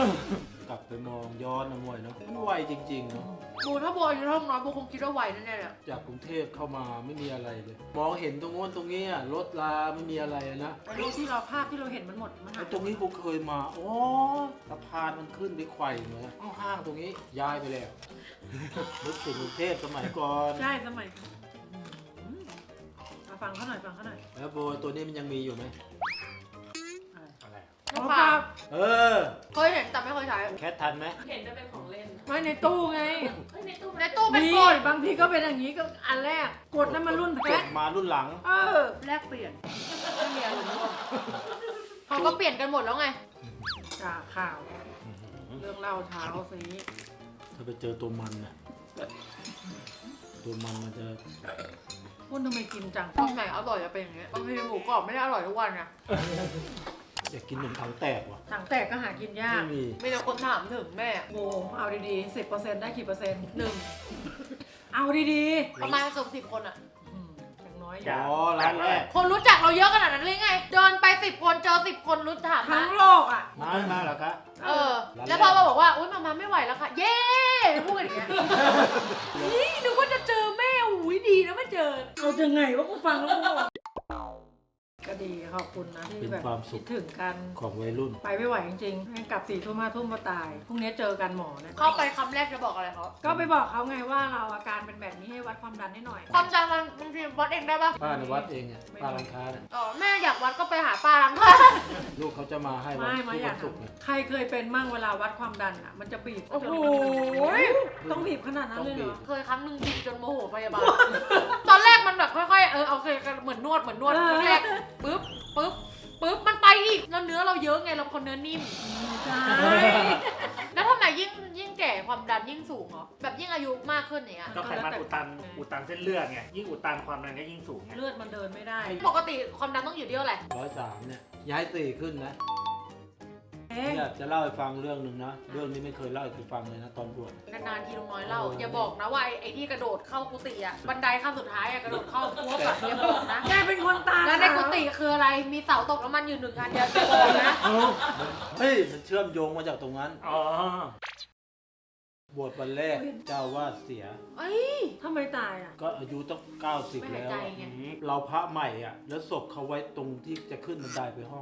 [SPEAKER 4] ลับไปมองย้อนนะมวยเนาะมันไวจริงๆเนาะ
[SPEAKER 3] โบถ้าโบอายุเท่าน้อยโบคงคิดว่าไวแน่ๆเลยอะ
[SPEAKER 4] จากกรุงเทพเข้ามาไม่มีอะไรเลย มองเห็นตรงโน้นตรงนี้อะรถลาไม่มีอะไรนะ
[SPEAKER 2] แต่รูปที่เราภาพที่เราเห็นมันหมดมันหา
[SPEAKER 4] ไอ้
[SPEAKER 2] ย
[SPEAKER 4] ตรงนี้กูเคยมาอ๋อสะพานมันขึ้นไปไขว่เหมือนข้างๆตรงนี้ย้ายไปแล้วนึกถึงกรุงเทพสมัยก่อน
[SPEAKER 2] ใช่สมัยก่อนอืมมาฟังเขาหน่อยฟังเขาหน่อย
[SPEAKER 4] แล้วโบตัวนี้มันยังมีอยู่ไหม
[SPEAKER 1] อะไรอะ
[SPEAKER 2] เอา
[SPEAKER 3] น้ำ
[SPEAKER 2] ป
[SPEAKER 3] ปลา
[SPEAKER 2] ลา
[SPEAKER 4] เออ
[SPEAKER 3] เคยเห็นแต่ไม่เคยใช้
[SPEAKER 4] แคททันไหม
[SPEAKER 6] เห็นจะเป็นของเล่น
[SPEAKER 2] ไว้ในตู้ไง
[SPEAKER 6] เฮ้ยในตู้
[SPEAKER 3] ในตู้เป็น
[SPEAKER 2] มี
[SPEAKER 3] กด
[SPEAKER 2] บางทีก็เป็นอย่างนี้ก็อันแรกกดนั้นมันรุ่นแพ
[SPEAKER 4] จ
[SPEAKER 2] ท
[SPEAKER 4] บมารุ่นหลัง
[SPEAKER 2] เออ
[SPEAKER 3] แลกเปลี่ยนไม่มีอะไรเลยเขาก็เปลี่ยนกันหมดแล้วไง
[SPEAKER 2] จากข่าว เรื่องเล่าเช้าสิ
[SPEAKER 4] ถ้าไปเจอตัวมันน่ะตัวมันมันจะ
[SPEAKER 2] พูดทำไมกินจัง
[SPEAKER 3] ตรงไหนอร่อยจะเป็นอย่างเงี้ยบางทีหมูกรอบไม่ได้อร่อยทุกวันไง
[SPEAKER 4] อยากกินขนมถังแตกว่ะ
[SPEAKER 2] ถังแตกก็หากินยาก
[SPEAKER 4] ไม่มี
[SPEAKER 3] มีแต่คนถามถึงแม่
[SPEAKER 2] โบเอาดีๆสิบเปอร์เซ็นต์ได้กี่เปอร์เซ็นต์
[SPEAKER 3] หนึ่ง
[SPEAKER 2] เอาดี
[SPEAKER 3] ประมาณเกือบสิบคนอะ
[SPEAKER 2] ๆอืมอย่างน้อย
[SPEAKER 1] อย่า
[SPEAKER 4] อ๋อร้านแรก
[SPEAKER 3] คนรู้จักเราเยอะขนาดนั้นเลยไง เดินไปสิบคนเจอสิบคนรู้ถาม
[SPEAKER 2] ทั้
[SPEAKER 3] นะ
[SPEAKER 2] งโลกอ่ะ
[SPEAKER 4] มามาเหรอคะ
[SPEAKER 3] เออ แล้วพอมาบอกว่า อุ้ยมามาไม่ไหวแล้วค่ะ เย้พูดกันอย่างเงี้ยนี่นึกว่าจะเจอแม่อุ้ยดีนะไม่เจอ
[SPEAKER 2] เอาจะไงว่ากูฟังแล้วกูบอกก็ดีขอบคุณนะที่
[SPEAKER 4] เป็น
[SPEAKER 2] แบบ
[SPEAKER 4] ความสุ
[SPEAKER 2] คิ
[SPEAKER 4] ข
[SPEAKER 2] ดถึงกัน
[SPEAKER 4] ของวัยรุ่น
[SPEAKER 2] ไปไม่ไหวจริงๆให้กลับสี่ทุ่มห้าทุ่มมาตาย พรุ่งนี้เจอกันหมอเนี่ย
[SPEAKER 3] เข้าไปคำแรกจะบอกอะไรเขา
[SPEAKER 2] ก็ไปบอกเขาไงว่าเราอาการเป็นแบบนี้ให้วัดความดันให้หน่อย
[SPEAKER 3] ความจำมันบางทีวัดเองได้ปะ
[SPEAKER 4] ป้าในวัดเองอ่ะป้าร้านค้าเนี่ย
[SPEAKER 3] อ๋อแม่อยากวัดก็ไปหาป้าล้างผ้า
[SPEAKER 4] ลูกเขาจะมาให้วัน
[SPEAKER 2] ไม่
[SPEAKER 4] ทุ
[SPEAKER 2] ไม่
[SPEAKER 4] ก
[SPEAKER 2] อ
[SPEAKER 4] วั
[SPEAKER 2] ยาน ก
[SPEAKER 4] ศุกร์เนี่ย
[SPEAKER 2] ใครเคยเป็นมั่งเวลาวัดความดันอ่ะ มันจะบีบ
[SPEAKER 3] โอ้โห
[SPEAKER 2] ต้องบีบขนาดนั้นเลยเหรอ
[SPEAKER 3] เคยครั้งหนึ่งบีบจนโมโหพยาบาล ตอนแรกมันแบบค่อยๆ เออโอเคกันเหมือนนวดเหมือนนวดแรกๆปึ๊บปึ๊บปึ๊บมันไปอีกแล้วเนื้อเราเยอะไงเราเป็นคนเนื้อนิ่ม
[SPEAKER 2] ใช่
[SPEAKER 3] แล้วทำไมยิ่งยิ่งแก่ความดันยิ่งสูงเหรอแบบยิ่งอายุมากขึ้นอย่างเงี้ย
[SPEAKER 1] ก็ไขมันอุดตันอุดตันเส้นเลือดไงยิ่งอุดตันความดันก็ยิ่งสูงไง
[SPEAKER 2] เลือดมันเดินไม่ได้
[SPEAKER 3] ปกติความดันต้องอยู่ที่เท่าไหร่
[SPEAKER 4] ร้อยสามเนี่ยย้ายสี่ขึ้นนะ
[SPEAKER 2] เอ๊ะ
[SPEAKER 4] เนี่ยจะเล่าให้ฟังเรื่องหนึ่งนะ เรื่องนี้ไม่เคยเล่าให้ใครฟังเลยนะตอนบวช
[SPEAKER 3] นานๆทีลุงน้อยเล่าอย่าบอกนะว่าไอ้ไอ้ที่กระโดดเข้ากุฏิอะบันไดขั้นสุดท้ายอะกระโดดเข้าพัวแบบอย่าบอกนะ
[SPEAKER 2] แกเป็นคนตา
[SPEAKER 3] แล้วในกุฏิคืออะไรมีเสาตกน้ำมันอยู่หนึ่งอันเดียวจะบอกนะ
[SPEAKER 4] เฮ้ยมันเชื่อมโยงมาจากตรงนั้น
[SPEAKER 1] อ๋อ
[SPEAKER 4] บวชวันแรกเจ้าวาดเสีย
[SPEAKER 3] เอ้ย
[SPEAKER 2] ทำไมตายอ่ะ
[SPEAKER 4] ก็อายุต้องเก้าสิบ
[SPEAKER 3] ไม่หาย
[SPEAKER 4] แล้ว
[SPEAKER 3] ใจ
[SPEAKER 4] อะ
[SPEAKER 3] ไง
[SPEAKER 4] เราพระใหม่อ่ะ แล้วศพเขาไว้ตรงที่จะขึ้นบันไดไปห้องเราอ่ะ
[SPEAKER 3] ท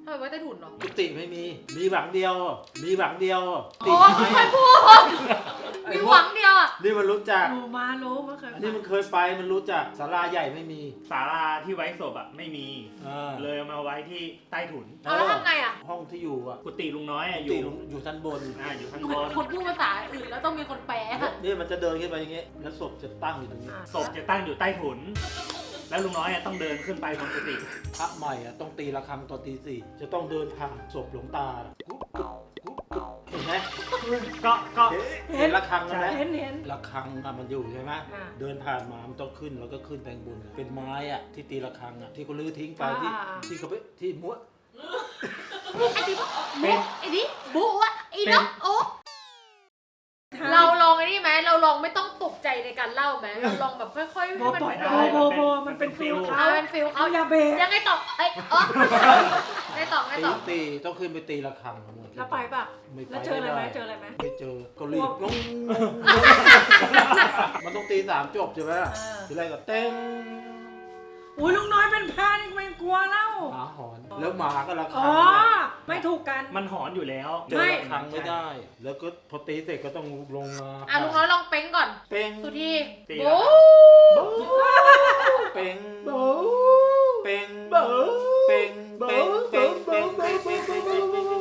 [SPEAKER 3] ำไมไว้ใต้ถุนเหรอ
[SPEAKER 4] กุฏิไม่มี มีหวังเดียว มีหวังเดียวติ
[SPEAKER 3] อ๋อ
[SPEAKER 4] ไม้
[SPEAKER 3] ไม่พูดมีหวังเดียวอ่ะ
[SPEAKER 4] นี่มันรู้จัก
[SPEAKER 2] หนูมารู้เมื่อเคย
[SPEAKER 4] อันนี้มันเคยไปมันรู้จักศาลาใหญ่ไม่มี
[SPEAKER 1] ศาลาที่ไว้ศพอ่ะไม่มี
[SPEAKER 4] อ่า
[SPEAKER 1] เลยเอามาไว้ที่ใต้ถุน
[SPEAKER 3] เอาแล้วทำไงอ่ะ
[SPEAKER 4] ห้องที่อยู่อ่ะ
[SPEAKER 1] กุฏิลุงน้อยอะอ
[SPEAKER 4] กุฏิ
[SPEAKER 1] ยู่
[SPEAKER 4] อยู่ชั้นบน
[SPEAKER 1] อ่าอยู่ข้าง
[SPEAKER 3] เห
[SPEAKER 1] บ
[SPEAKER 3] มือน
[SPEAKER 1] น
[SPEAKER 3] คนพูดภาษาอื่นแล้วต้องมีคนแปลอะ
[SPEAKER 4] นี่มันจะเดินขึ้นไปอย่างเงี้ยแล้วศพจะตั้งอยู่ตรงนี้
[SPEAKER 1] ศพจะตั้งอยู่ใต้ถุน แล้วลุงน้อยอะต้องเดินขึ้นไปบนกุฏิ
[SPEAKER 4] พระใหม่อ่ะต้องตีระฆังตอนตีสี่จะต้องเดินผ่านศพหลวงตากุ๊บกุ๊บกุ๊บกุ๊บเห็นไหม
[SPEAKER 1] ก็ก็
[SPEAKER 4] เห็นระฆังใช่ไหม
[SPEAKER 2] เห็นเห็น
[SPEAKER 4] ระฆังอ่ะมันอยู่ใช่ไหม
[SPEAKER 2] อ่า
[SPEAKER 4] เดินผ่านมามันต้องขึ้นแล้วก็ขึ้นแปลงบนเป็นไม้อ่ะที่ตีระฆังอ่ะที่เขาลื้อทิ้งไปที่
[SPEAKER 2] อ่าอ่า
[SPEAKER 4] ที่เขาไปที่ม้วน
[SPEAKER 3] ไอ้ดิบุ๊ไอ้ดิบุ๊อะไอ้นกโอ๊ะเราลองไอ้นี่ไหมเราลองไม่ต้องตกใจในการเล่าไหมเราลองแบบค่อยๆให้
[SPEAKER 2] โบ
[SPEAKER 3] มัน
[SPEAKER 2] ปล่อย
[SPEAKER 3] โ
[SPEAKER 2] โบโบโบมันเป็นฟิล
[SPEAKER 3] เอา
[SPEAKER 2] เขา
[SPEAKER 3] เป็นฟิล
[SPEAKER 2] เอา
[SPEAKER 3] เขา
[SPEAKER 2] อย่าเบรก
[SPEAKER 3] ยังไงต่อเอ้ยอ๋อไงต่อไง
[SPEAKER 4] ตี
[SPEAKER 3] ต่อ
[SPEAKER 4] ตีต้องขึ้นไปตีระฆังทั้งหมด
[SPEAKER 2] แล้วไปปะ
[SPEAKER 4] ไม่ไป
[SPEAKER 2] แล้วเจออะไรไหม
[SPEAKER 4] ด้
[SPEAKER 2] เจออะไรไหม
[SPEAKER 4] ไม่เจอก็รีบงงมันต้องตีสามจบใช่ไหม
[SPEAKER 2] เออ
[SPEAKER 4] ทีแรกก็เต้ง
[SPEAKER 2] อุ้ยลุงน้อยเป็นพานไม่กลัวเล่า
[SPEAKER 4] หมาหอนแล้วหมาก็ระฆั
[SPEAKER 2] อ๋
[SPEAKER 4] ง
[SPEAKER 2] อ
[SPEAKER 4] เนี่ย
[SPEAKER 2] ไม่ถูกกัน
[SPEAKER 1] มันหอนอยู่แล้ว
[SPEAKER 4] เจอ
[SPEAKER 2] ไม่
[SPEAKER 4] ระฆังไม่ได้ แล้วก็พอตีเสร็จก็ต้องลงมา
[SPEAKER 3] อ่ะลุงน้อยลองเป้งก่อน
[SPEAKER 4] เป้ง
[SPEAKER 3] สุธี
[SPEAKER 1] ตี
[SPEAKER 3] บุ๊
[SPEAKER 4] เป้งเป้งเป้งเป้งเป้งเป้งเป้งเป้งเป้งเป้งเป้งเป้ง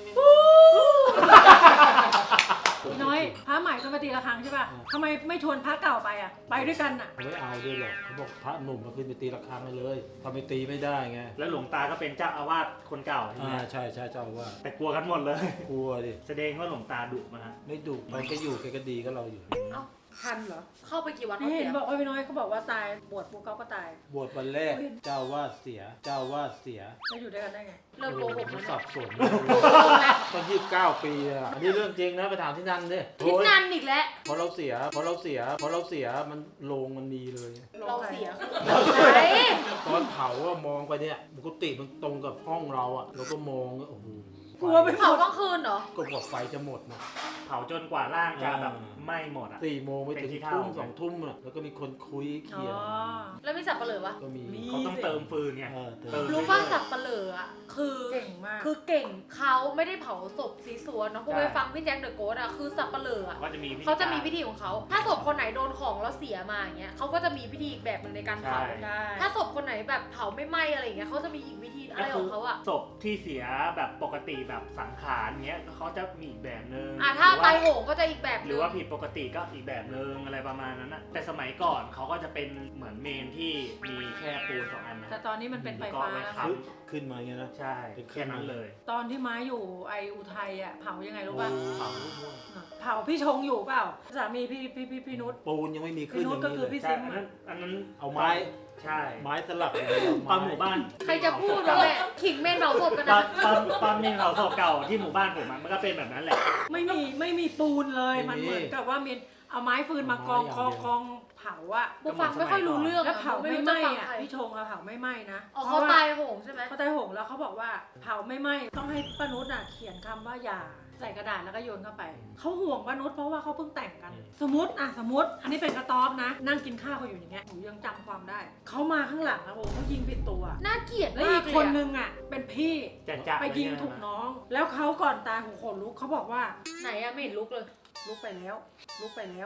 [SPEAKER 2] น้อยพระใหม่ก็มาตีระฆังใช่ป่ะทำไมไม่ชวนพระเก่าไปอ่ะ ไปด้วยกันอ่ะ
[SPEAKER 4] ไม่เอาด้วยหรอกเขาบอกพระหนุ่มมาขึ้นไปตีระฆังให้เลยทำไมตีไม่ได้ไง
[SPEAKER 1] แล้วหลวงตาก็เป็นเจ้าอาวาสคนเก่าใช่ไหม
[SPEAKER 4] อ่าใช่ใช่เจ้าว่า
[SPEAKER 1] แต่กลัวกันหมดเลย
[SPEAKER 4] กลัวดิ
[SPEAKER 1] แสดงว่าหลวงตาดุมาฮะ
[SPEAKER 4] ไม่ดุมันก็อยู่แกก็ดีก็เราอยู่
[SPEAKER 3] เอ้า
[SPEAKER 2] ทันเหรอ
[SPEAKER 3] เข้าไปกี่วันเขา
[SPEAKER 2] นี่
[SPEAKER 3] เสี
[SPEAKER 2] เห็น
[SPEAKER 3] ย
[SPEAKER 2] บอกว่าพี่น้อยเขาบอกว่าตายบวชปุ๊บเขาก็ตาย
[SPEAKER 4] บวชวันแรกเจ้าวาดเสีย เจ้าวาดเสีย
[SPEAKER 2] แล้วอยู่ด้วยกันได้ไง
[SPEAKER 3] เลิกโกหก
[SPEAKER 4] มั
[SPEAKER 3] แล้
[SPEAKER 4] น
[SPEAKER 3] ว
[SPEAKER 4] สั
[SPEAKER 3] เนี่ย
[SPEAKER 4] บสนตอนยี่สิบเก้าปีอ่ะอันนี้เรื่องจริงนะไปถามที่นั่นดิ
[SPEAKER 3] คิดนานอีกแล้ว
[SPEAKER 4] พอเราเสียพอเราเสียพอเราเสียมันโลงมันมีเลย
[SPEAKER 3] เราเสีย
[SPEAKER 2] ไหน
[SPEAKER 4] ตอนเผาอะมองไปเนี่ยปกติมันตรงกับห้องเราอะเราก็มองโอ้โห
[SPEAKER 2] กลัวไปหม
[SPEAKER 3] เผา
[SPEAKER 2] ด
[SPEAKER 3] กลางคืนเหรอ
[SPEAKER 4] ก็บอกไฟจะหมดนะ
[SPEAKER 1] เผาจนกว่าร่างจะแบบไหม้หมดอ่ะ
[SPEAKER 4] สี่โมงไปถึง
[SPEAKER 1] เป็นที่เท่า
[SPEAKER 4] ทุ่มสองทุ่มอะแล้วก็มีคนคุยเค
[SPEAKER 2] อ๋
[SPEAKER 4] ลียร์
[SPEAKER 2] อ
[SPEAKER 3] แล้วมีสับปะเหร่อปะ
[SPEAKER 4] ก็มี
[SPEAKER 2] มี
[SPEAKER 1] เขาต้องเติมฟืนไง
[SPEAKER 4] เออเติ
[SPEAKER 1] เติ
[SPEAKER 4] ม
[SPEAKER 1] ม
[SPEAKER 3] รู้ป่ะสับปะเหร่ออ่ะ คือ
[SPEAKER 2] เก่งมาก
[SPEAKER 3] คือเก่งเขาไม่ได้เผาศพสีสวนเนาะพวกไปฟังพี่แจ็คเดอะโกสอ่ะ คือสับปะเหร่ออ่ะ
[SPEAKER 1] ก็จะมีพิธี
[SPEAKER 3] เขาจะมีพิธีของเขา ถ้าศพคนไหนโดนของแล้วเสียมาอย่างเงี้ยเขาก็จะมีพิธีอีกแบบหนึ่งในการเผา
[SPEAKER 1] ใช่
[SPEAKER 2] ได้
[SPEAKER 3] ถ้าศพคนไหนแบบเผาไม่ไหม้อะไรอย่างเงี้ยเขาจะมีอีกวิธีอะไรของเขาอ่ะ
[SPEAKER 1] ศพที่เสียแบบปกติแบบสังขารเงี้ยเขาจะมีอีกแบบนึง
[SPEAKER 3] อ่ะถ้า
[SPEAKER 1] หรือว่
[SPEAKER 3] ตายโหงก็จะอีกแบบ
[SPEAKER 1] ห
[SPEAKER 3] ห
[SPEAKER 1] รื
[SPEAKER 3] นึ
[SPEAKER 1] อง ว่าผิดปกติก็อีกแบบนึงอะไรประมาณนั้นนะแต่สมัยก่อนเขาก็จะเป็นเหมือนเมนที่มีแค่ปูนสองอันนะ
[SPEAKER 2] แต่ตอนนี้มันเป็นไฟ
[SPEAKER 1] ก็
[SPEAKER 2] ฟ้า
[SPEAKER 1] ไว้
[SPEAKER 2] แล้ว
[SPEAKER 1] ค้
[SPEAKER 4] ขึ้นขึ้นมาอย่างเงี้ยนะ
[SPEAKER 1] ำใช่แค่นั้นเลย
[SPEAKER 2] ตอนที่ม้าอยู่ไออุทัยอ่ะเผายังไงรู้ป่ะ
[SPEAKER 1] เผา
[SPEAKER 2] เผาพี่ชงอยู่เปล่า สามีพี่พี่พี่พี่นุช
[SPEAKER 4] ปูนยังไม่มีขึ้น
[SPEAKER 2] พี่
[SPEAKER 4] อ
[SPEAKER 2] นุช
[SPEAKER 4] ย่าง
[SPEAKER 2] ก็
[SPEAKER 4] นี้
[SPEAKER 2] คือ
[SPEAKER 4] เลย
[SPEAKER 2] พี่
[SPEAKER 1] ใช่อันนั้นอันนั้น
[SPEAKER 4] เอาไม้
[SPEAKER 1] ใช่
[SPEAKER 4] ไม้สลับ
[SPEAKER 1] ตอนหมู่บ้าน
[SPEAKER 3] ใครจะพูดวะแม่ขิงเมนเผาศพกัน
[SPEAKER 1] ตอ
[SPEAKER 3] นะ
[SPEAKER 1] นตอนตอนมีเผาศพเก่าที่หมู่บ้านผมอะมันก็เป็นแบบนั้นแหละ
[SPEAKER 2] ไม่มีไม่มีปูนเลย มันเหมือนกับว่ามีเอาไม้ฟืนมากองกองกองเผาอะ
[SPEAKER 3] บูฟังไม่ค่อยรู้เรื่อง
[SPEAKER 2] แล้ว
[SPEAKER 3] อะ
[SPEAKER 2] เผา
[SPEAKER 3] ไม่
[SPEAKER 2] ไม่
[SPEAKER 3] รู้
[SPEAKER 2] ไห
[SPEAKER 3] จะ
[SPEAKER 2] ม้
[SPEAKER 3] ฟัง
[SPEAKER 2] อะ
[SPEAKER 3] ใคร
[SPEAKER 2] พี่ชงอะเผาไม่ไหม้นะ
[SPEAKER 3] อ๋อเขาตายโหงใช่ไหม
[SPEAKER 2] เขาตายโหงแล้วเขาบอกว่าเผาไม่ไหม้ต้องให้ป้านุชอะเขียนคำว่าอย่าใส่กระดาษแล้วก็โยนเข้าไปเขาห่วงป้านุชเพราะว่าเขาเพิ่งแต่งกัน สมมติอะสมมติอันนี้เป็นกระต๊อบนะ นั่งกินข้าวเขาอยู่อย่างเงี้ยหนูยังจำความได้เขามาข้างหลังนะโอ้โหเขายิงผิดตัว
[SPEAKER 3] น่าเกลียด
[SPEAKER 2] แล้ว
[SPEAKER 3] มา
[SPEAKER 2] อี
[SPEAKER 3] ก
[SPEAKER 2] ก
[SPEAKER 3] เลย
[SPEAKER 2] คน
[SPEAKER 3] อะ
[SPEAKER 2] นึงอ่ะเป็นพี่
[SPEAKER 1] จะจะ
[SPEAKER 2] ไปยิงถูกน้อง แล้วเขาก่อนตายหูขนลุกเขาบอกว่า
[SPEAKER 3] ไหนอะไม่เห็นลุกเลย
[SPEAKER 2] ลุกไปแล้ว ลุกไปแล้ว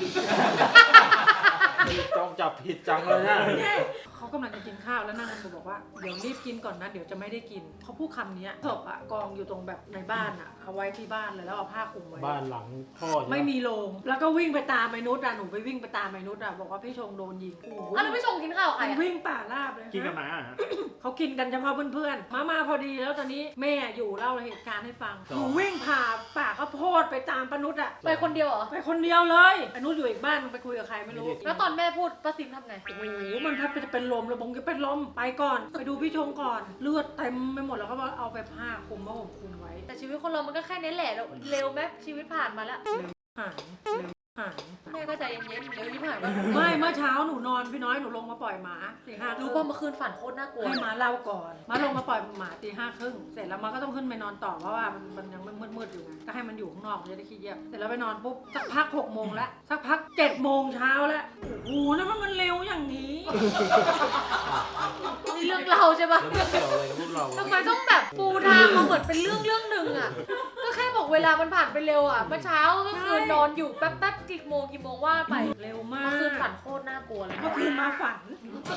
[SPEAKER 4] จ้องจับผิดจังเลยนะ
[SPEAKER 2] เขากำลังจะกินข้าวแล้วนั่งกันบอกว่าเดี๋ยวรีบกินก่อนนะเดี๋ยวจะไม่ได้กินเขาพูดคำนี้ศพอ่ะกองอยู่ตรงแบบในบ้านอ่ะเอาไว้ที่บ้านเลยแล้วเอาผ้าคลุมไว้
[SPEAKER 4] บ้านหลังพ่อใช่ห
[SPEAKER 2] ไม่มีโรงแล้วก็วิ่งไปตามไอ้นุชอ่ะหนูไปวิ่งไปตามไอ้นุชอ่ะบอกว่าพี่ชงโดนยิงโอ้โห
[SPEAKER 3] อ่ะแล้วไม่ชงกินข้าวกับใคร
[SPEAKER 2] มัน
[SPEAKER 3] อะ
[SPEAKER 2] วิ่งป่าราบเลย
[SPEAKER 1] กินกันมาอะฮะ
[SPEAKER 2] เขากินกันเฉพาะเพื่อนๆมามาพอดีแล้วตอนนี้แม่อยู่เล่าเหตุการณ์ให้ฟังหนูวิ่งผ่าป่าข้าวโพดไปตามป้านุชอ่ะ
[SPEAKER 3] ไปคนเดียวเหรอ
[SPEAKER 2] ไปคนเดียวเลยไอ้นุชอยู่อีกบ้านไปคุยกับใครไม่รู้
[SPEAKER 3] แล้วตอนแม่พูดป้าซิมทำไง
[SPEAKER 2] โอ้โหมันแทบจะเป็นลมเลยบงจะเป็นลมไปก่อนไปดูพี่ชงก่อนเลือดเต็มไปหมดแล้วเขาบอกเอาไปผ้าคลุมผ้าห่มคลุมไว้
[SPEAKER 3] แต่ชีวิตคนเรามันก็แค่นี้แหละแล้วเร็วไหมชีวิตผ่านมาแล้ว
[SPEAKER 2] หายเร็วหาย
[SPEAKER 3] แม่ก็ใจเย็นๆเร็วที่ผ่านมา
[SPEAKER 2] ไม่เมื่อเช้าหนูนอนพี่น้อยหนูลงมาปล่อยหมาตีห้า
[SPEAKER 3] รู้ป่ะเมื่อคืนฝันโคตรน่ากลัว
[SPEAKER 2] ให้หมาเล่าก่อนมาลงมาปล่อยหมาตีห้าครึ่งเสร็จแล้วมันก็ต้องขึ้นไปนอนต่อเพราะว่ามันมันยังมืดๆอยู่ไงก็ให้มันอยู่ข้างนอกมันจะได้ขี้เกียจเสร็จแล้วไปนอนปุ๊บสักพักหกโมงแล้วสักพักเจ็ดโมงเช้าแล้วโอ้โหนั่นมันเร็วอย่างนี้
[SPEAKER 3] นี่เรื่องรื่องเราใช่ปะ
[SPEAKER 4] แล้วไม่เกี่ยวอะไรกับพวกเรา
[SPEAKER 3] ทำไมต้องแบบปูทางมาเหมือนเป็นเรื่องเรื่องหนึ่งอ่ะ ก็แค่บอกเวลามันผ่านไปเร็วอ่ะ เมื่อเช้าก็คือนอนอยู่แป๊บแป๊บกี่โมงกี่โมงว่าไป
[SPEAKER 2] เร็วมา
[SPEAKER 3] เมื่อก คืนฝันโคตรน่ากลัวเลย
[SPEAKER 2] เมื่อคืนมาฝัน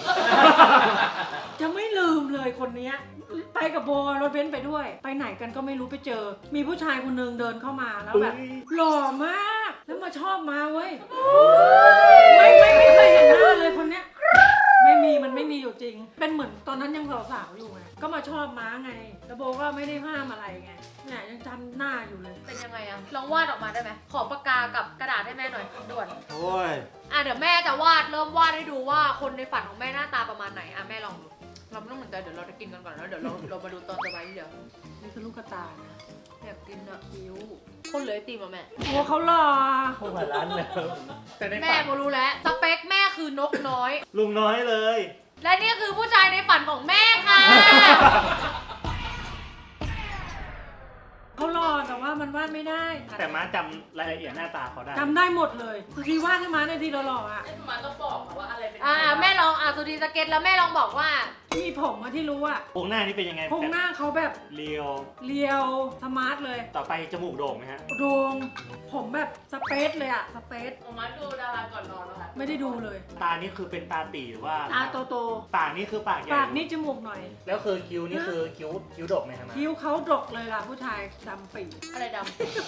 [SPEAKER 2] จะไม่ลืมเลยคนเนี้ยไปกับโบรถเบนซ์ไปด้วย ไปไหนกันก็ไม่รู้ไปเจอ มีผู้ชายคนหนึงเดินเข้ามาแล้วแบบหล่อมาก แล้วมาชอบมาเว้ยไม่ไม่ไม่เคยเห็นหน้าเลยคนเนี้ย ไม่มีมันไม่มีอยู่จริง เป็นเหมือนตอนนั้นยังสาวๆอยู่ไงก็มาชอบม้าไงแล้วโบก็ไม่ได้ห้ามอะไรไงเนี่ยยังจำหน้าอยู่เลย
[SPEAKER 3] เป็นยังไงอะลองวาดออกมาได้ไหม ขอปากกากับกระดาษให้แม่หน่อยด่วน
[SPEAKER 4] โอ้ย
[SPEAKER 3] อ่ะเดี๋ยวแม่จะวาดเริ่มวาดให้ดูว่าคนในฝันของแม่หน้าตาประมาณไหนอ่ะแม่ลองดู เราไม่ต้องเหมือนใจเดี๋ยวเราจะกินกันก่อนแล้วเดี๋ยวเราเรามาดูตอนต่อไปเดี๋ยว
[SPEAKER 2] นี่คือลูกกระตายนะ
[SPEAKER 3] อยากกินอะคิ้วคนเหลยตีมาแม่
[SPEAKER 2] โอ้เขาหล่อ
[SPEAKER 1] พวกมาร้านแล้วแต่ใน
[SPEAKER 3] แม่
[SPEAKER 1] ฝัน
[SPEAKER 3] โมรู้แล้วสเปคแม่คือนกน้อย
[SPEAKER 1] ลุงน้อยเลย
[SPEAKER 3] และนี่คือผู้ชายในฝันของแม่ค่ะ
[SPEAKER 2] เขาหล่อแต่ว่ามันวาดไม่ได้
[SPEAKER 1] แต่ม้าจำรายละเอียดหน้าตาเขาได้
[SPEAKER 2] จำได้หมดเลยสุธีวาดให้ม้าในทีเราหล่ออ่ะ
[SPEAKER 6] ไอ้มาต้องบอกว่าอะไรเป็น
[SPEAKER 3] อ่าแม่ลองอ่ะสุดีสเก็ตแล้วแม่ลองบอกว่า
[SPEAKER 2] มีผมอะที่รู้อ่ะ
[SPEAKER 1] โครงหน้านี่เป็นยังไง
[SPEAKER 2] โครงหน้าเขาแบบ
[SPEAKER 1] เรียว
[SPEAKER 2] เรียวสมาร์ทเลย
[SPEAKER 1] ต่อไปจมูกโด่งไหมฮะ
[SPEAKER 2] โดงผมแบบสเปซเลยอ่ะสเปซ
[SPEAKER 6] ผมมาดูดาราก่อนนอนแล้วค่ะ
[SPEAKER 2] ไม่ได้ดูเลย
[SPEAKER 1] ตานี่คือเป็นตาตีหรือว่า
[SPEAKER 2] ตาโต
[SPEAKER 1] ปากนี่คือปากให
[SPEAKER 2] ๆ
[SPEAKER 1] ญ่
[SPEAKER 2] ปากนี่จมูกหน่อย
[SPEAKER 1] แล้วคือคิ้วนี่คือคิ้วคิ้วดกไหมฮะม้า
[SPEAKER 2] คิ้วเขาดกเลยล่ะผู้ชายดำปี
[SPEAKER 3] อะไรด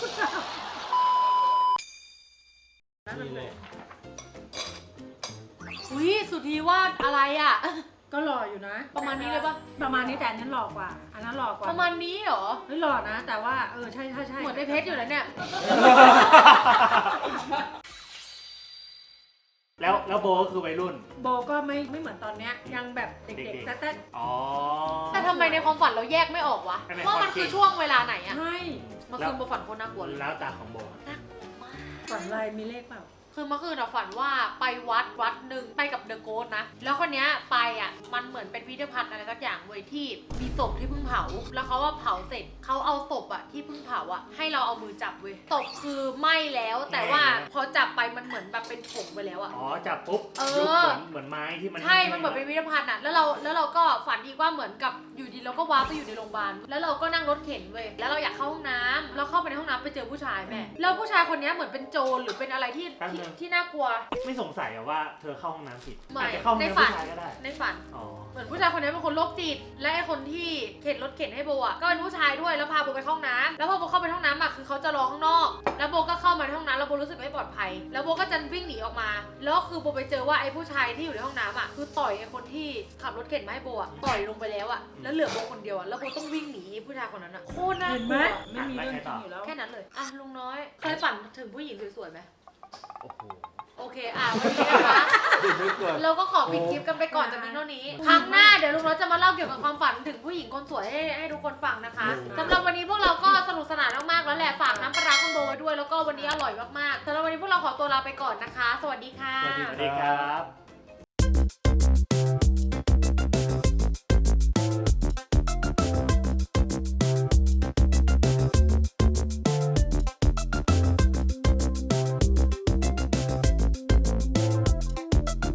[SPEAKER 4] นี่เลย
[SPEAKER 3] ำอุ้ยสุธีวาดอะไรอ่ะ
[SPEAKER 2] ก็หล่ออยู่นะ
[SPEAKER 3] ประมาณนี้เลยปะ
[SPEAKER 2] ประมาณนี้แต่อันนั้นหล่อกว่า อันนั้นหล่อกว่า
[SPEAKER 3] ประมาณนี้เหรอ
[SPEAKER 2] เฮ้ยหล่อนะ แต่ว่าเออใช่ใช่ใช่
[SPEAKER 3] เหมือนในเพชรอยู่นะเนี่ย
[SPEAKER 1] แล้วแล้วโบก็คือวัยรุ่น
[SPEAKER 2] โบก็ไม่ไม่เหมือนตอนเนี้ยยังแบบเด็ก
[SPEAKER 1] เด็ก
[SPEAKER 2] ๆ
[SPEAKER 1] ๆ
[SPEAKER 2] แต่แต่
[SPEAKER 1] อ๋อ
[SPEAKER 3] แต่ทำไมในความฝันเราแยกไม่ออกวะ
[SPEAKER 1] ทำไม
[SPEAKER 3] ว่ามัน
[SPEAKER 1] ความจริง
[SPEAKER 3] คือช่วงเวลาไหนอะ
[SPEAKER 2] ใช่
[SPEAKER 3] เมื่อคืนโบฝันโคตรน่ากลัวเลย
[SPEAKER 1] แล้วตาของโบ
[SPEAKER 2] ฝันอะไรมีเลขเปล่า
[SPEAKER 3] คือเมื่อคืนอะฝันว่าไปวัดวัดหนึ่งไปกับเดอะโกสนะ แล้วคนเนี้ยไปอะมันเหมือนเป็นพิพิธภัณฑ์อะไรสักอย่างเว้ยที่มีศพที่เพิ่งเผา แล้วเขาว่าเผาเสร็จเขาเอาศพอะที่เพิ่งเผาอะให้เราเอามือจับเว้ยศพคือไหม้แล้ว แต่ว่าพอจับไปมันเหมือนแบบเป็นผงไปแล้วอะ
[SPEAKER 1] อ๋อจับปุ๊บ
[SPEAKER 3] เออ
[SPEAKER 1] ยุบเหมือนเหมือนไม้ที่มัน
[SPEAKER 3] ใช่ มันเหมือนเป็นพิพิธภัณฑ์อะแล้วเราแล้วเราก็ฝันอีกว่าเหมือนกับอยู่ดีเราก็ว้าร์ปไปอยู่ในโรงพยาบาล แล้วเราก็นั่งรถเข็นเว้ย แล้วเราอยากเข้าห้องน้ำเราเข้าไปในห้องน้ำไปเจอผู้ชายแม่ แล้วผู้ชายคนเนี้ยเหมือนเป็นโจรหรือเป็นอะไรที่ที่ที่น่ากลัว
[SPEAKER 1] ไม่สงสัยอะว่าเธอเข้าห้องน้ำผิด
[SPEAKER 3] ไม่
[SPEAKER 1] อาจจะเข้าห้อง
[SPEAKER 3] ใน
[SPEAKER 1] น้ำ
[SPEAKER 3] ฝั
[SPEAKER 1] ผู้
[SPEAKER 3] น
[SPEAKER 1] ชายก็ได้
[SPEAKER 3] ในฝัน
[SPEAKER 1] อ๋อ
[SPEAKER 3] เหมือนผู้ชายคนนี้เป็นคนโรคจิต และไอ้คนที่เข็นรถเข็นให้โบอ่ะก็เป็นผู้ชายด้วยแล้วพาโบไปเข้าห้องน้ำแล้วพอโบเข้าไปห้องน้ำอ่ะคือเขาจะรอข้างนอก แล้วโบก็เข้ามาในห้องน้ำแล้วโบรู้สึกไม่ปลอดภัย แล้วโบก็จะวิ่งหนีออกมา แล้วคือโบไปเจอว่าไอ้ผู้ชายที่อยู่ในห้องน้ำอ่ะคือต่อยไอ้คนที่ขับรถเข็นมาให้โบอ่ะต่อยลงไปแล้วอ่ะแล้วเหลือโบคนเดียวอ่ะแล้วโบต้องวิ่งหนีไอ้ผู้ชายคนนั้นอ่ะโคตรน่า
[SPEAKER 2] เห็น
[SPEAKER 3] ก
[SPEAKER 2] ไหม
[SPEAKER 3] ลัว
[SPEAKER 2] ไม่มีเรื่องจริงอยู่แล้ว
[SPEAKER 3] แค่นั้นเลยอ่ะลุงน้อยเคยฝันถึงผู้หญิงสวยๆไหม
[SPEAKER 1] โอ้โห
[SPEAKER 3] โอเคอ่ะวันนี้นะคะ
[SPEAKER 4] เดี๋ยวไม่เกิด
[SPEAKER 3] เราก็ขอปิดคลิปกันไปก่อนจากนี้เท่านี้ ครั้งหน้าเดี๋ยวลุงน้อยจะมาเล่าเกี่ยวกับความฝันถึงผู้หญิงคนสวยให้ให้ทุกคนฟังนะคะสำหรับวันนี้พวกเราก็สนุกสนานมากๆแล้วแหละฝากน้ำปลาร้าคุณโบไว้ด้วยแล้วก็วันนี้อร่อยมากๆสำหรับวันนี้พวกเราขอตัวลาไปก่อนนะคะ สวัสดีค่ะ
[SPEAKER 1] สวัสดีครับ